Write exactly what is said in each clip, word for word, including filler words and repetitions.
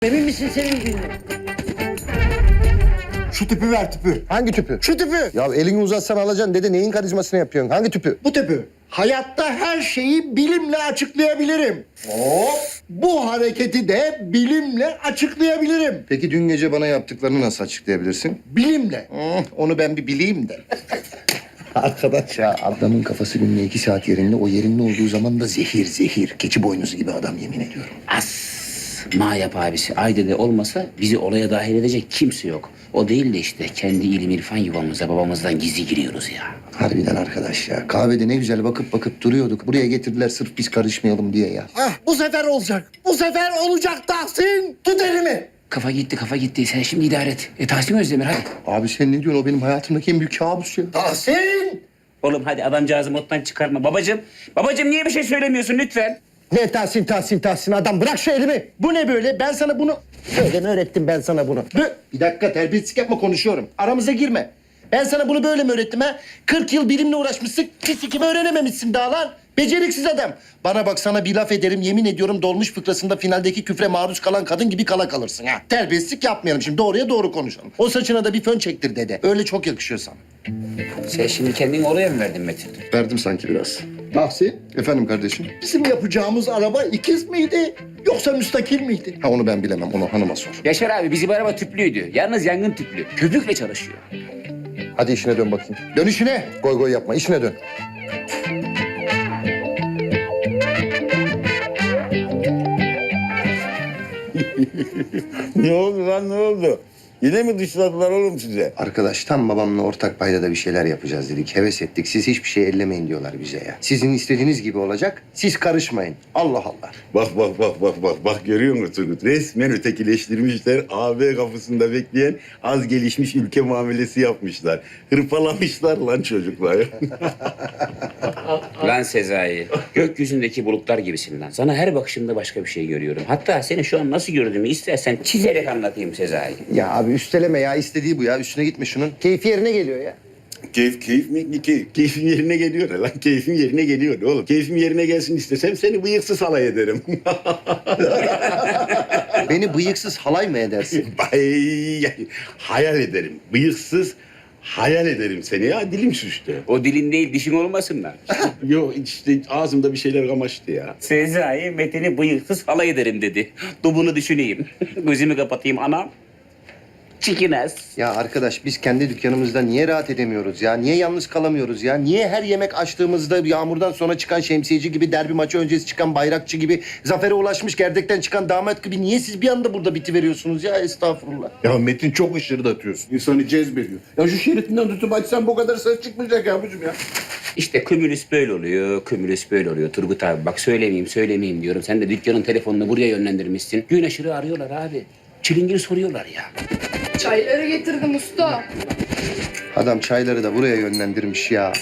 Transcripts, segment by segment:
Emin misin senin günün? Şu tüpü ver tüpü. Hangi tüpü? Şu tüpü. Ya elini uzatsan alacaksın dede, neyin karizmasını yapıyorsun? Hangi tüpü? Bu tüpü. Hayatta her şeyi bilimle açıklayabilirim. Hop. Bu hareketi de bilimle açıklayabilirim. Peki dün gece bana yaptıklarını nasıl açıklayabilirsin? Bilimle. Hmm, onu ben bir bileyim de. Arkadaş ya, adamın kafası günde iki saat yerinde, o yerinde olduğu zaman da zehir zehir. Keçi boynuzu gibi adam, yemin ediyorum. As ma yap abisi. Ayde'de olmasa bizi olaya dahil edecek kimse yok. O değil de işte kendi ilim irfan yuvamıza babamızdan gizli giriyoruz ya. Harbiden arkadaş ya. Kahvede ne güzel bakıp bakıp duruyorduk. Buraya getirdiler sırf biz karışmayalım diye ya. Ah, bu sefer olacak. Bu sefer olacak Tahsin. Tut elimi. Kafa gitti kafa gitti. Sen şimdi idare et. E Tahsin Özdemir hadi. Abi sen ne diyorsun? O benim hayatımdaki en büyük kabus ya. Tahsin. Oğlum hadi adamcağızı moddan çıkarma. Babacığım, babacığım niye bir şey söylemiyorsun lütfen? Ne Tahsin Tahsin Tahsin adam, bırak şu elimi. Bu ne böyle? Ben sana bunu... Böyle mi öğrettim ben sana bunu? Bö- Bir dakika, terbiyesizlik yapma, konuşuyorum. Aramıza girme. Ben sana bunu böyle mi öğrettim ha? kırk yıl bilimle uğraşmışsın, fisikimi öğrenememişsin daha lan. Beceriksiz adam. Bana bak, sana bir laf ederim, yemin ediyorum dolmuş fıkrasında finaldeki küfre maruz kalan kadın gibi kala kalırsın ha. Terbiyesizlik yapmayalım şimdi, doğruya doğru konuşalım. O saçına da bir fön çektir dede. Öyle çok yakışıyor sana. Sen şimdi kendini oraya mı verdin Metin? Verdim sanki biraz. Tahsin, Efendim kardeşim? bizim yapacağımız araba ikiz miydi yoksa müstakil miydi? Ha, onu ben bilemem, onu hanıma sor. Yaşar abi bizim araba tüplüydü. Yalnız yangın tüplü. Köpükle çalışıyor. Hadi işine dön bakayım. Dön işine. Goy goy yapma, işine dön. Ne oldu lan ne oldu? Yine mi dışladılar oğlum size? Arkadaş, tam babamla ortak paydada bir şeyler yapacağız dedik. Heves ettik. Siz hiçbir şey ellemeyin diyorlar bize ya. Sizin istediğiniz gibi olacak. Siz karışmayın. Allah Allah. Bak bak bak bak bak bak görüyor musun Turgut? Resmen ötekileştirmişler. A B kapısında bekleyen az gelişmiş ülke muamelesi yapmışlar. Hırpalamışlar lan çocuklar. Lan Sezai, gökyüzündeki bulutlar gibisin lan. Sana her bakışımda başka bir şey görüyorum. Hatta seni şu an nasıl gördüğümü istersen çizerek anlatayım Sezai. Ya abi üsteleme ya. İstediği bu ya. Üstüne gitme şunun. Keyfi yerine geliyor ya. Keyif, keyif mi? Ne keyif? Keyfim yerine geliyor lan. Keyfim yerine geliyor oğlum. Keyfim yerine gelsin istesem seni bıyıksız halay ederim. Beni bıyıksız halay mı edersin? Ay, hayal ederim. Bıyıksız hayal ederim seni ya. Dilim sürçtü. O dilin değil dişin olmasın lan. Yok işte ağzımda bir şeyler kamaştı ya. Sezai Metin'i bıyıksız halay ederim dedi. Dur bunu düşüneyim. Gözümü kapatayım anam. Çikines. Ya arkadaş, biz kendi dükkanımızda niye rahat edemiyoruz ya? Niye yalnız kalamıyoruz ya? Niye her yemek açtığımızda yağmurdan sonra çıkan şemsiyeci gibi, derbi maçı öncesi çıkan bayrakçı gibi, zafere ulaşmış gerdekten çıkan damat gibi niye siz bir anda burada bitiveriyorsunuz ya? Estağfurullah. Ya Metin, çok ışırdatıyorsun. İnsanı cezbediyor. Ya şu şeritinden tutup açsan bu kadar ses çıkmayacak ya abicim ya. İşte kümülüs böyle oluyor, kümülüs böyle oluyor. Turgut abi bak söylemeyeyim, söylemeyeyim diyorum. Sen de dükkanın telefonunu buraya yönlendirmişsin. Gün aşırı arıyorlar abi. Çilingir soruyorlar ya. Çayları getirdim usta. Adam çayları da buraya yönlendirmiş ya.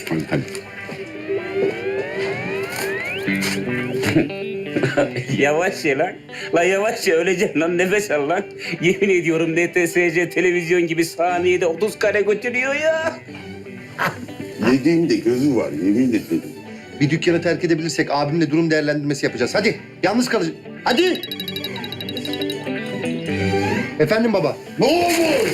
Yavaş ye lan. Lan yavaş ye öleceksin lan nefes al lan. Yemin ediyorum N T S C televizyon gibi saniyede otuz kare götürüyor ya. Yediğinde gözü var yemin ederim. Bir dükkanı terk edebilirsek abimle durum değerlendirmesi yapacağız. Hadi, yalnız kalacağız. Hadi. Efendim baba. Ne olur?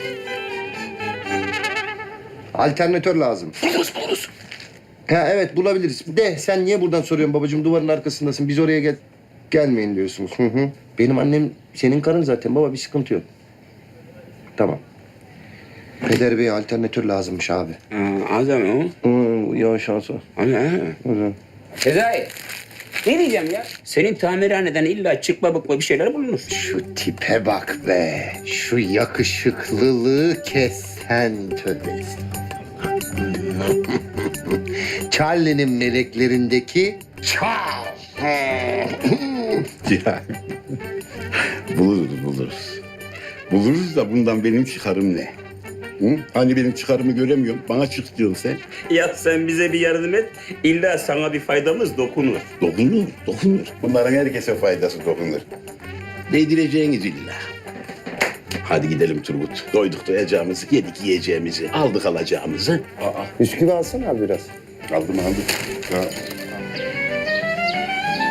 Alternatör lazım. Buluruz buluruz. Ha evet, bulabiliriz. De sen niye buradan soruyorsun babacığım? Duvarın arkasındasın. Biz oraya gel gelmeyin diyorsunuz. Hı hı. Benim annem senin karın zaten baba, bir sıkıntı yok. Tamam. Peder Bey'e alternatör lazımmış abi. Aa, adam o. Hı, ya şansı. Ana. Hı. Sezai. Ne diyeceğim ya? Senin tamirhaneden illa çıkma bıkma bir şeyler bulunur. Şu tipe bak be. Şu yakışıklılığı kes sen, tövbe estağfurullah. Charlie'nin meleklerindeki Charles. Ya. Buluruz buluruz. Buluruz da bundan benim çıkarım ne? Hı? Hani benim çıkarımı göremiyorum. Bana çık diyorsun sen. Ya sen bize bir yardım et. İlla sana bir faydamız dokunur. Dokunur, dokunur. Bunların herkese faydası dokunur. Değdireceğiniz illa. Hadi gidelim Turgut. Doyduk doyacağımızı, yedik yiyeceğimizi, aldık alacağımızı. Aa, Bisküvi alsana abi biraz. aldım aldım. Ha.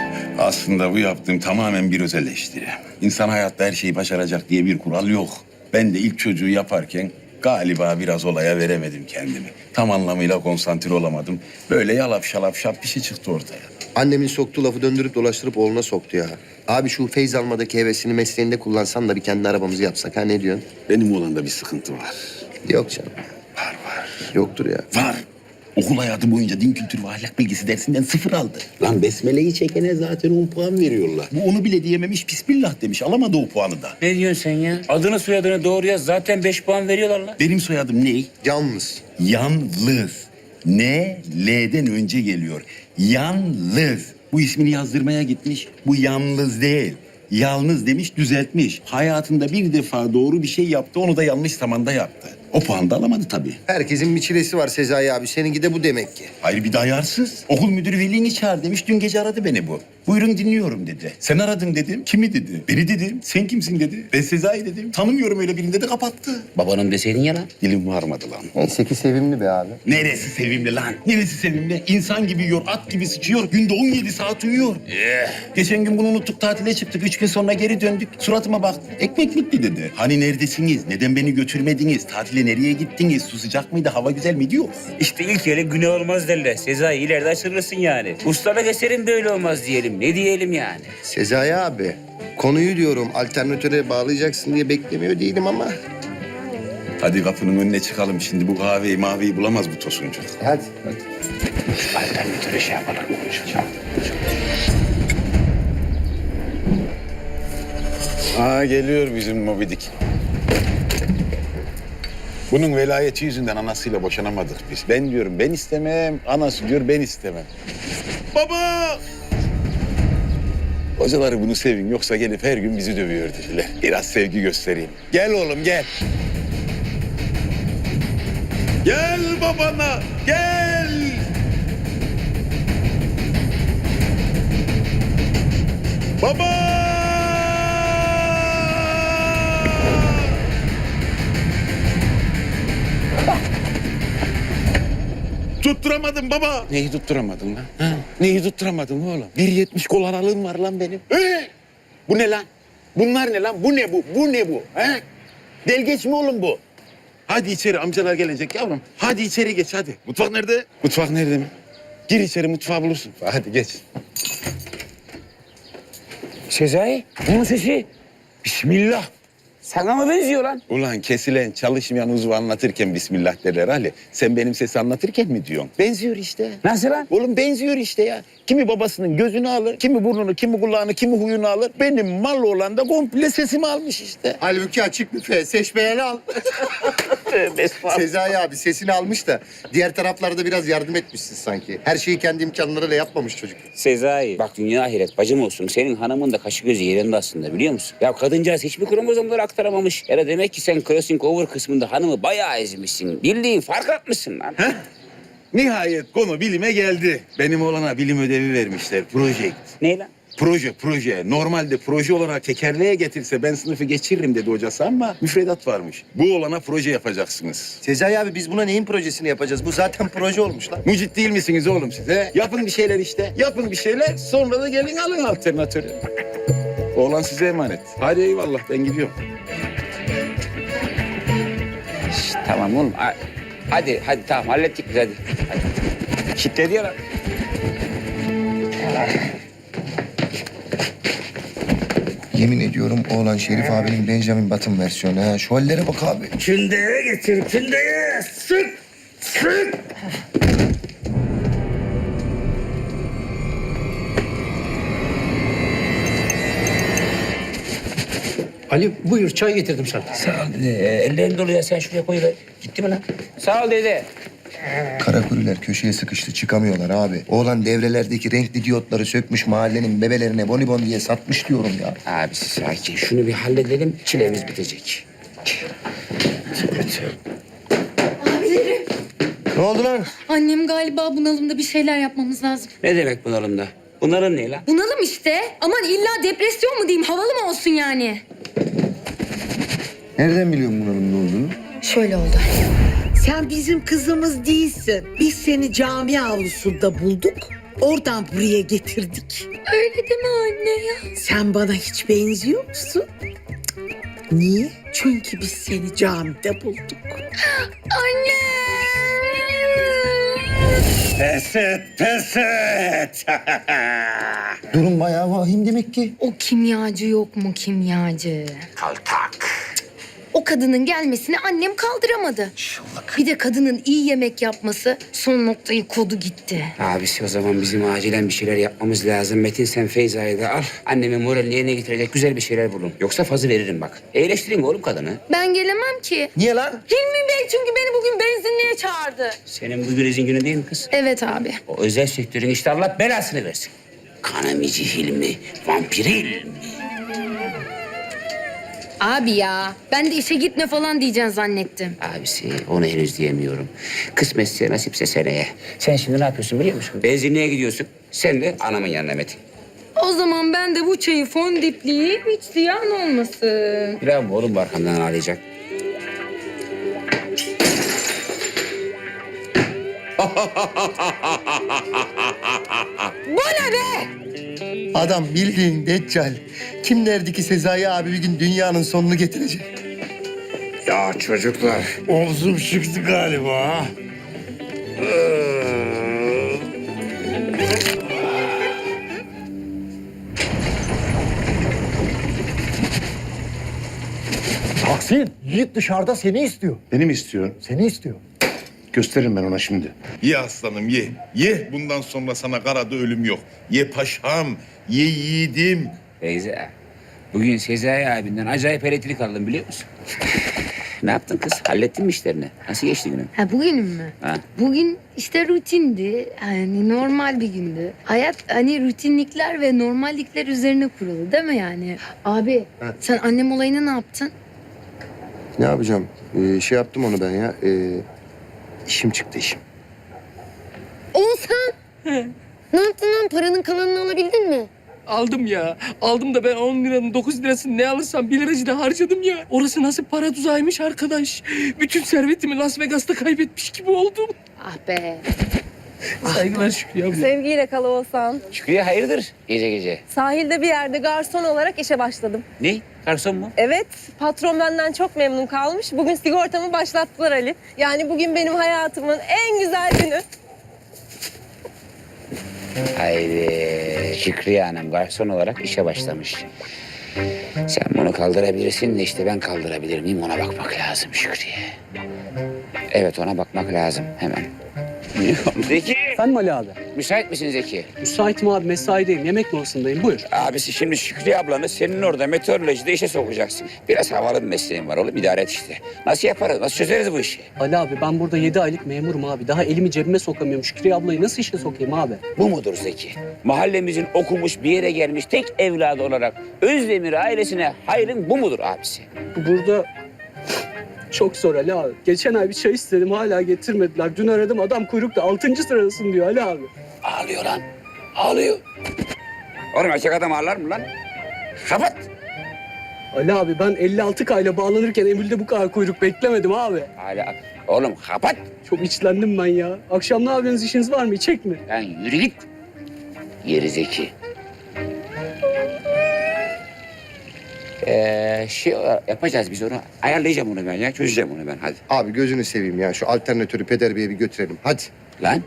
Aslında bu yaptığım tamamen bir öz eleştiri. İnsan hayatta her şeyi başaracak diye bir kural yok. Ben de ilk çocuğu yaparken galiba biraz olaya veremedim kendimi. Tam anlamıyla konsantre olamadım. Böyle yalap şalap şap bir şey çıktı ortaya. Annemin soktuğu lafı döndürüp dolaştırıp oğluna soktu ya. Abi şu feyz almadaki hevesini mesleğinde kullansan da bir kendi arabamızı yapsak ha, ne diyorsun? Benim oğlanda bir sıkıntı var. Yok canım. Var var. Yoktur ya. Var. Okul hayatı boyunca din kültürü ve ahlak bilgisi dersinden sıfır aldı. Lan besmeleyi çekene zaten on puan veriyorlar. Bu onu bile diyememiş, bismillah demiş. Alamadı o puanı da. Ne diyorsun sen ya? Adını soyadını doğru yaz. Zaten beş puan veriyorlar lan. Benim soyadım ne? Yalnız. Yalnız. Ne? L'den önce geliyor. Yalnız. Bu ismini yazdırmaya gitmiş. Bu yalnız değil. Yalnız demiş, düzeltmiş. Hayatında bir defa doğru bir şey yaptı, onu da yanlış zamanda yaptı. O puan da alamadı tabii. Herkesin bir çilesi var Sezai abi. Seninki de bu demek ki. Hayır bir de ayarsız. Okul müdürü velini çağır demiş. Dün gece aradı beni bu. Buyurun dinliyorum dedi. Sen aradın dedim. Kimi dedi. Beni dedim. Sen kimsin dedi. Ben Sezai dedim. Tanımıyorum öyle birini dedi, kapattı. Babanın deseydin ya lan. Dilim varmadı lan. Neyse ki sevimli be abi. Neresi sevimli lan? Neresi sevimli? İnsan gibi yiyor, at gibi sıçıyor. Günde on yedi saat uyuyor. Eh. Geçen gün bunu unuttuk, tatile çıktık. Üç gün sonra geri döndük. Suratıma baktı. Ekmek bitti dedi. Hani neredesiniz? Neden beni götürmediniz? Tatile nereye gittiniz? Su sıcak mıydı? Hava güzel miydi? Yok. İşte ilk yere günah olmaz derler. Sezai ileride açılırsın yani. Ustalık eserin böyle olmaz diyelim. Ne diyelim yani? Sezai abi. Konuyu diyorum alternatöre bağlayacaksın diye beklemiyor değilim ama. Hadi kapının önüne çıkalım. Şimdi bu kahveyi maviyi bulamaz bu tosuncuk. Hadi. hadi. Alternatöre şey yapalım. Konuşalım. Aa geliyor bizim Mobidik. Bunun velayeti yüzünden anasıyla boşanamadık biz. Ben diyorum ben istemem, anası diyor ben istemem. Baba! Hocaları bunu sevin yoksa gelip her gün bizi dövüyor dediler. Biraz sevgi göstereyim. Gel oğlum gel. Gel babana, gel. Baba! Tutturamadım baba. Neyi tutturamadın lan? Ha? Neyi tutturamadın oğlum? bir yetmiş kol aralığım var lan benim. Ee? Bu ne lan? Bunlar ne lan? Bu ne bu? Bu ne bu? He? Delgeç mi oğlum bu? Hadi içeri amcalar gelecek yavrum. Hadi içeri geç hadi. Mutfak nerede? Mutfak nerede mi? Gir içeri mutfağı bulursun. Hadi geç. Sezai, bunun sesi. Bismillah. Sana mı benziyor lan? Ulan kesilen, çalışmayan uzvu anlatırken bismillah derler Ali. Sen benim sesi anlatırken mi diyorsun? Benziyor işte. Nasıl lan? Oğlum benziyor işte ya. Kimi babasının gözünü alır, kimi burnunu, kimi kulağını, kimi huyunu alır. Benim mal olan da komple sesimi almış işte. Halbuki açık büfe. Seçmeyeni al. Sezai abi sesini almış da diğer taraflarda biraz yardım etmişsin sanki. Her şeyi kendi imkanlarıyla yapmamış çocuk. Sezai, bak dünya ahiret bacım olsun. Senin hanımın da kaşı gözü yerinde aslında biliyor musun? Ya kadıncağız hiçbir kromozomları aktaramamış. Ya da demek ki sen crossing over kısmında hanımı bayağı ezmişsin. Bildiğin fark atmışsın lan. Heh. Nihayet konu bilime geldi. Benim oğlana bilim ödevi vermişler. Project. Ne lan? Proje, proje. Normalde proje olarak tekerleğe getirse ben sınıfı geçiririm dedi hocası ama müfredat varmış. Bu olana proje yapacaksınız. Sezai abi biz buna neyin projesini yapacağız? Bu zaten proje olmuş lan. Mucit değil misiniz oğlum siz he? Yapın bir şeyler işte. Yapın bir şeyler. Sonra da gelin alın alternatörü. Oğlan size emanet. Hadi eyvallah ben gidiyorum. Şşt, tamam oğlum. Ha- Hadi, hadi tamam hallettik biz hadi. hadi. Kitledi ya lan. Yemin ediyorum oğlan Şerif abinin Benjamin Button versiyonu ha. Şu hallere bak abi. Kündeye getir, kündeye. Sık, sık. Ali buyur çay getirdim sana. Sağ ol dede. Ellerin dolu ya sen şuraya koyuver. Gitti mi lan? Sağ ol dede. Karakuriler köşeye sıkıştı çıkamıyorlar abi. Oğlan devrelerdeki renkli diyotları sökmüş mahallenin bebelerine bonibon diye satmış diyorum ya. Abisi sakin. Şunu bir halledelim. Çilemiz bitecek. Abilerim, Ne oldu lan? annem galiba bunalımda bir şeyler yapmamız lazım. Ne demek bunalımda? Bunların ne lan? Bunalım işte. Aman illa depresyon mu diyeyim, havalı mı olsun yani? Nereden biliyorsun bunun ne olduğunu? Şöyle oldu. Sen bizim kızımız değilsin. Biz seni cami avlusunda bulduk. Oradan buraya getirdik. Öyle deme anne ya. Sen bana hiç benziyor musun? Cık. Niye? Çünkü biz seni camide bulduk. Anne. Pes et, pes et. Durum bayağı vahim demek ki. O kimyacı yok mu kimyacı? Kaltak. O kadının gelmesini annem kaldıramadı. Bir de kadının iyi yemek yapması son noktayı kodu gitti. Abisi o zaman bizim acilen bir şeyler yapmamız lazım. Metin sen Feyza'yı da al. Annemin moralini yerine getirecek güzel bir şeyler bulun. Yoksa fazı veririm bak. Eğleştirin oğlum kadını. Ben gelemem ki. Niye lan? Hilmi Bey çünkü beni bugün benzinliğe çağırdı. Senin bugün izin günü değil mi kız? Evet abi. O özel sektörün işte Allah belasını versin. Kanamici Hilmi, vampir Hilmi. Abi ya ben de işe gitme falan diyeceksin zannettim. Abisi onu henüz diyemiyorum. Kısmetse nasipse seneye. Sen şimdi ne yapıyorsun biliyor musun? Benzinliğe gidiyorsun. Sen de anamın yanına Metin. O zaman ben de bu çayı fondipleyeyim hiç ziyan olmasın. Bravo oğlum bu arkamdan ağlayacak. Bu ne be? Adam bildiğin Deccal. Kim derdi ki Sezai abi bir gün dünyanın sonunu getirecek? Ya çocuklar, omzum çıktı galiba. Tahsin, Yiğit dışarıda seni istiyor. Beni mi istiyor? Seni istiyor. Gösteririm ben ona şimdi. Ye aslanım ye. Ye bundan sonra sana karada ölüm yok. Ye paşam, ye yiğidim. Feyza, bugün Sezai abinden acayip elektrik aldım biliyor musun? Ne yaptın kız? Hallettin mi işlerini? Nasıl geçti günün? Ha bugünüm mü? Ha? Bugün işte rutindi. Yani normal bir gündü. Hayat hani rutinlikler ve normallikler üzerine kurulu değil mi yani? Abi sen annem olayını ne yaptın? Ne yapacağım? Ee, şey yaptım onu ben ya. Ee, işim çıktı işim. Oğuzhan! Ne yaptın lan? Paranın kalanını alabildin mi? Aldım ya. Aldım da ben on liranın dokuz lirasını ne alırsam bir liracı harcadım ya. Orası nasıl para tuzağıymış arkadaş. Bütün servetimi Las Vegas'ta kaybetmiş gibi oldum. Ah be. Saygılar Şükrü abla. Sevgiyle kal Oğuzhan. Şükrü'ye hayırdır gece gece? Sahilde bir yerde garson olarak işe başladım. Ne? Garson mu? Evet, patron benden çok memnun kalmış. Bugün sigortamı başlattılar Ali. Yani bugün benim hayatımın en güzel günü. Haydi. Şükrü'ye Hanım garson olarak işe başlamış. Sen bunu kaldırabilirsin de işte ben kaldırabilir miyim ona bakmak lazım Şükrü'ye. Evet ona bakmak lazım hemen. Zeki. Efendim Ali abi? Müsait misin Zeki? Müsaitim abi mesaideyim. Yemek molasındayım. Buyur. Abisi şimdi Şükrü ablanı senin orada meteorolojide işe sokacaksın. Biraz havalı bir mesleğin var oğlum idare et işte. Nasıl yaparız? Nasıl çözeriz bu işi? Ali abi ben burada yedi aylık memurum abi. Daha elimi cebime sokamıyorum. Şükrü ablayı nasıl işe sokayım abi? Bu mudur Zeki? Mahallemizin okumuş bir yere gelmiş tek evladı olarak Özdemir ailesine hayrın bu mudur abisi? Burada çok zor Ali abi. Geçen ay bir çay istedim hala getirmediler. Dün aradım adam kuyrukta altıncı sırasın diyor Ali abi. Ağlıyor lan. Ağlıyor. Oğlum erkek adam ağlar mı lan? Kapat. Ali abi ben elli altı kayla bağlanırken Emir'de bu kadar kuyruk beklemedim abi. Hala. Oğlum kapat. Çok içlendim ben ya. Akşam ne yapıyorsunuz işiniz var mı? İçek mi? Lan yürü git. Geri Zeki. Ee, şey yapacağız biz onu. Ayarlayacağım onu ben ya. Çözeceğim onu ben hadi. Abi gözünü seveyim ya. Şu alternatörü Peder Bey'e bir götürelim. Hadi. Lan.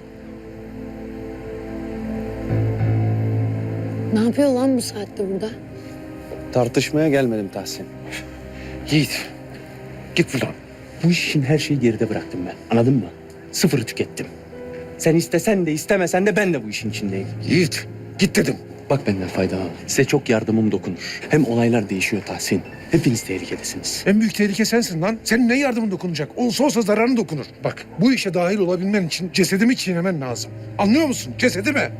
Ne yapıyor lan bu saatte burada? Tartışmaya gelmedim Tahsin. Yiğit, git buradan. Bu işin her şeyi geride bıraktım ben. Anladın mı? Sıfırı tükettim. Sen istesen de istemesen de ben de bu işin içindeyim. Yiğit, git dedim. Bak benden fayda al. Size çok yardımım dokunur. Hem olaylar değişiyor Tahsin. Hepiniz tehlikedesiniz. En büyük tehlike sensin lan. Senin ne yardımın dokunacak? Olsa olsa zararın dokunur. Bak bu işe dahil olabilmen için cesedimi çiğnemen lazım. Anlıyor musun? Cesedimi.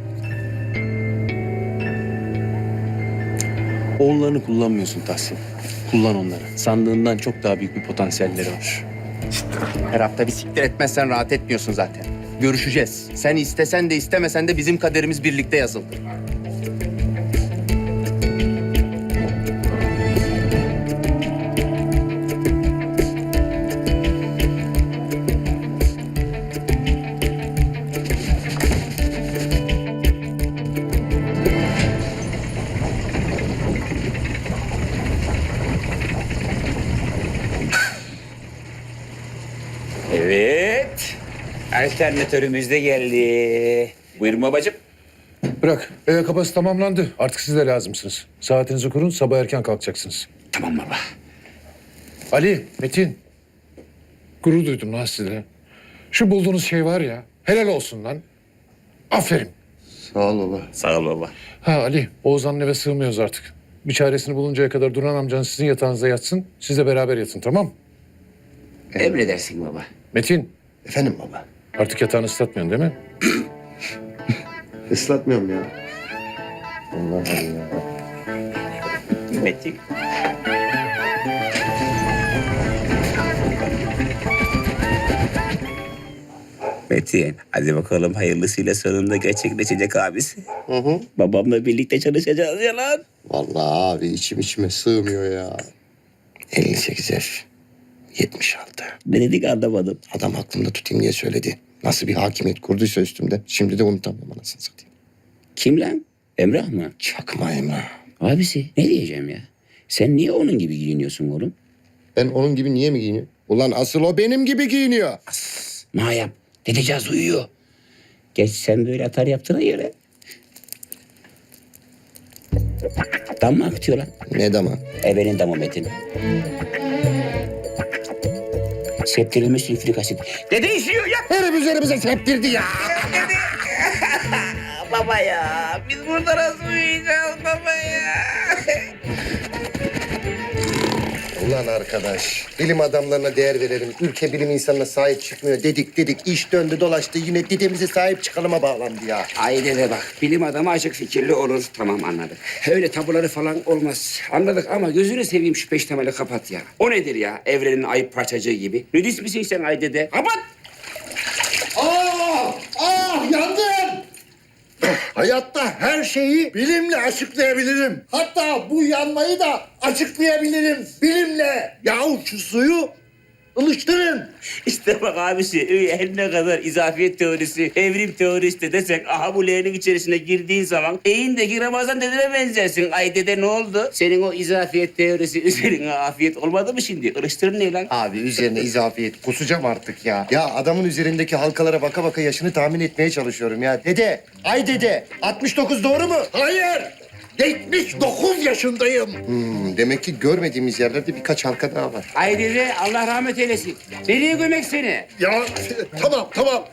Oğullarını kullanmıyorsun Tahsin. Kullan onları. Sandığından çok daha büyük bir potansiyelleri var. Her hafta bir siktir etmezsen rahat etmiyorsun zaten. Görüşeceğiz. Sen istesen de istemesen de bizim kaderimiz birlikte yazıldı. Alternatörümüz de geldi. Buyurun babacığım. Bırak. Eve kapası tamamlandı. Artık siz de lazımsınız. Saatinizi kurun. Sabah erken kalkacaksınız. Tamam baba. Ali, Metin. Gurur duydum lan size. Şu bulduğunuz şey var ya. Helal olsun lan. Aferin. Sağ ol baba. Sağ ol baba. Ha Ali, Oğuzhan'ın eve sığmıyoruz artık. Bir çaresini buluncaya kadar Duran amcanız sizin yatağınızda yatsın. Siz de beraber yatın, tamam mı? Emredersin baba. Metin, Efendim baba. artık yatağını ıslatmıyorsun değil mi? Islatmıyorum ya. Allah Allah. Metin. Metin, hadi bakalım hayırlısıyla sonunda gerçekleşecek abisi. Hı hı. Babamla birlikte çalışacağız ya lan. Vallahi abi içim içime sığmıyor ya. elli sekiz F. yetmiş altı. Ne dedik anlamadım. Adam aklımda tutayım diye söyledi. Nasıl bir hakimiyet kurduysa üstümde. Şimdi de unutamıyorum anasını satayım. Kim lan? Emrah mı? Çakma Emrah. Abisi ne diyeceğim ya? Sen niye onun gibi giyiniyorsun oğlum? Ben onun gibi niye mi giyiniyorum? Ulan asıl o benim gibi giyiniyor. Ma yap. Dedeceğiz uyuyor. Geç sen böyle atar yaptığına göre. Dam mı akıtıyor lan? Ne dama? Ebenin damı Metin. Septirilmiş sülfürik asit. Dede işiyor ya. Herif üzerimize septirdi ya. Baba ya. Biz burada nasıl uyuyacağız baba ya? Ulan arkadaş, bilim adamlarına değer verelim. Ülke bilim insanına sahip çıkmıyor dedik dedik. İş döndü dolaştı yine dedemize sahip çıkalıma bağlandı ya. Ay dede bak. Bilim adamı açık fikirli olur. Tamam anladık. Öyle tabuları falan olmaz. Anladık ama gözünü seveyim şu peştemali kapat ya. O nedir ya? Evrenin ayıp parçacığı gibi. Nudist misin sen ay dede? Kapat! Ah! Ah! Yandım! Hayatta her şeyi bilimle açıklayabilirim. Hatta bu yanmayı da açıklayabilirim bilimle. Yahu şu suyu ılıştırın. İşte bak abisi, her ne kadar izafiyet teorisi, evrim teorisi de desek, aha bu leğenin içerisine girdiğin zaman eğindeki Ramazan dedene benzersin. Ay dede ne oldu? Senin o izafiyet teorisi üzerine afiyet olmadı mı şimdi? Ilıştırın ne lan? Abi üzerine izafiyet kusacağım artık ya. Ya adamın üzerindeki halkalara baka baka yaşını tahmin etmeye çalışıyorum ya. Dede, ay dede altmış dokuz doğru mu? Hayır. yetmiş dokuz yaşındayım. Hmm, demek ki görmediğimiz yerlerde birkaç halka daha var. Ay dede Allah rahmet eylesin. Nereye gömek seni? Ya tamam tamam.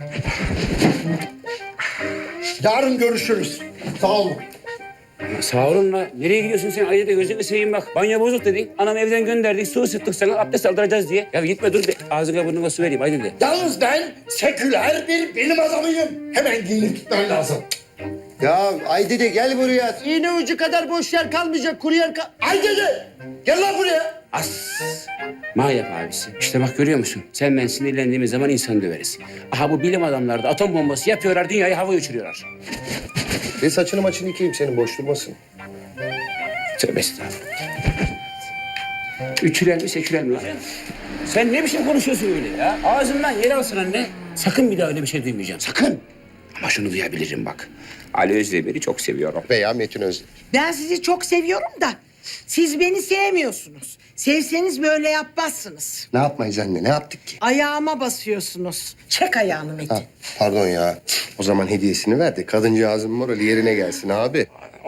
Yarın görüşürüz. Sağ olun. Sağ olun la. Nereye gidiyorsun sen? Ay dede gözünü seveyim bak. Banyo bozuk dedin. Anam evden gönderdik. Su ısıttık sana. Abdest aldıracağız diye. Ya gitme dur. De. Ağzına burnuna su vereyim. Ay dede. Yalnız ben seküler bir bilim adamıyım. Hemen giyinip gitmem lazım. Ya ay dede gel buraya. İğne ucu kadar boş yer kalmayacak. Kuru yer kal... Ay dede! Gel lan buraya. As. Ma yap abisi. İşte bak görüyor musun? Sen ben sinirlendiğimiz zaman insan döveriz. Aha bu bilim adamları da atom bombası yapıyorlar. Dünyayı havaya uçuruyorlar. Ve saçını maçını yıkayayım senin boş durmasın. Tövbe estağfurullah. Üçüler mi seküler mi lan? Sen ne biçim konuşuyorsun öyle ya? Ağzından yer alsın anne. Sakın bir daha öyle bir şey duymayacağım. Sakın. Ama şunu duyabilirim bak. Ali Özdemir'i çok seviyorum. Veya Metin Özdemir. Ben sizi çok seviyorum da siz beni sevmiyorsunuz. Sevseniz böyle yapmazsınız. Ne yapmayız anne? Ne yaptık ki? Ayağıma basıyorsunuz. Çek ayağını Metin. Ha, pardon ya. O zaman hediyesini ver de kadıncağızın morali yerine gelsin abi.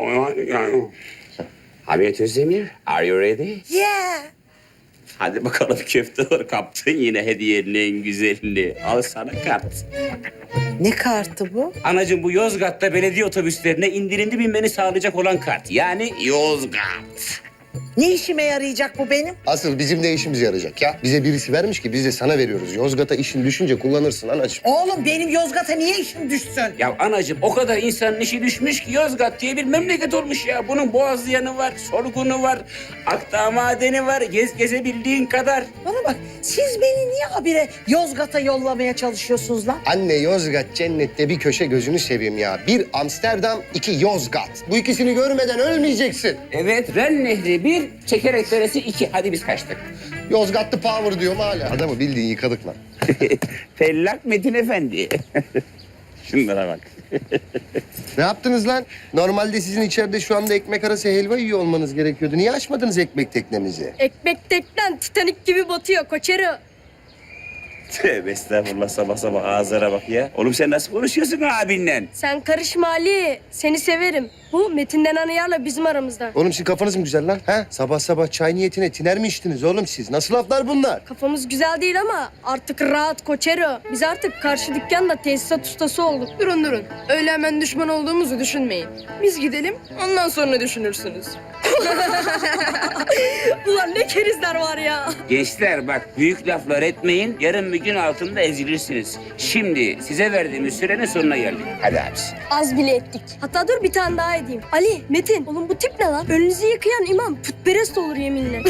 Hamiyet Özdemir, are you ready? Yeah. Hadi bakalım köfte olur. Kaptın yine hediyenin en güzelini. Al sana kart. Ne kartı bu? Anacığım bu Yozgat'ta belediye otobüslerine indirimli binmeni sağlayacak olan kart. Yani Yozgat. Ne işime yarayacak bu benim? Asıl bizim de işimize yarayacak ya. Bize birisi vermiş ki biz de sana veriyoruz. Yozgat'a işin düşünce kullanırsın anacığım. Oğlum benim Yozgat'a niye işim düşsün? Ya anacığım o kadar insanın işi düşmüş ki Yozgat diye bir memleket olmuş ya. Bunun Boğazlayanı var, Sorgun'u var, Akdağ Madeni var. Gez gezebildiğin kadar. Bana bak siz beni niye habire Yozgat'a yollamaya çalışıyorsunuz lan? Anne Yozgat cennette bir köşe gözünü seveyim ya. Bir Amsterdam, iki Yozgat. Bu ikisini görmeden ölmeyeceksin. Evet, Ren Nehri bir, Çekerek Deresi iki. Hadi biz kaçtık. Yozgatlı power diyorum hala. Adamı bildiğin yıkadık lan. Fellak Metin Efendi. Şunlara bak. Ne yaptınız lan? Normalde sizin içeride şu anda ekmek arası helva yiyor olmanız gerekiyordu. Niye açmadınız ekmek teknemizi? Ekmek teknen Titanik gibi batıyor koçero. Tövbe estağfurullah sabah sabah ağızlara bak ya. Oğlum sen nasıl konuşuyorsun abinle? Sen karışma Ali. Seni severim. Bu Metin denen ayarla bizim aramızda. Oğlum sizin kafanız mı güzel lan? Ha? Sabah sabah çay niyetine tiner mi içtiniz oğlum siz? Nasıl laflar bunlar? Kafamız güzel değil ama artık rahat Koçero. Biz artık karşı dükkanda tesisat ustası olduk. Durun durun. Öyle hemen düşman olduğumuzu düşünmeyin. Biz gidelim ondan sonra düşünürsünüz. Ulan ne kerizler var ya. Gençler bak büyük laflar etmeyin. Yarın bir gün altında ezilirsiniz. Şimdi size verdiğimiz sürenin sonuna geldik. Hadi abisi. Az bile ettik. Hatta dur bir tane daha edeyim. Ali, Metin. Oğlum bu tip ne lan? Önünüzü yıkayan imam putperest olur yeminle.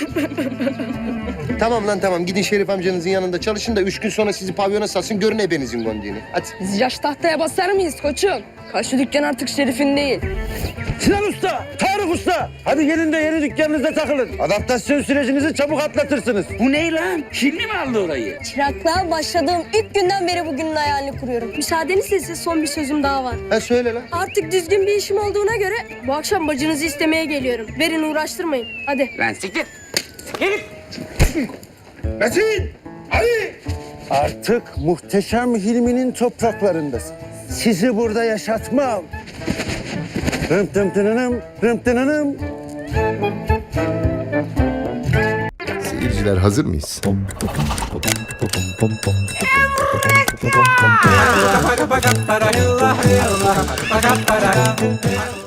Tamam lan tamam gidin Şerif amcanızın yanında çalışın da üç gün sonra sizi pavyona satsın görün ebenizin gondiğini. Hadi. Biz yaş tahtaya basar mıyız koçum? Karşı dükkan artık Şerif'in değil. Sinan Usta, Tarık Usta. Hadi gelin de yeni dükkanınızda takılın. Adaptasyon sürecinizi çabuk atlatırsınız. Bu ne lan? Hilmi mi aldı orayı? Çıraklığa başladığım ilk günden beri bugünün hayalini kuruyorum. Müsaadenizle size son bir sözüm daha var. Ha söyle lan. Artık düzgün bir işim olduğuna göre bu akşam bacınızı istemeye geliyorum. Verin uğraştırmayın. Hadi. Lan siktir. Metin! Ali! Artık muhteşem Hilmi'nin topraklarındasın. Sizi burada yaşatmam. Rım tım tınınım, rım tınınım. Seyirciler hazır mıyız?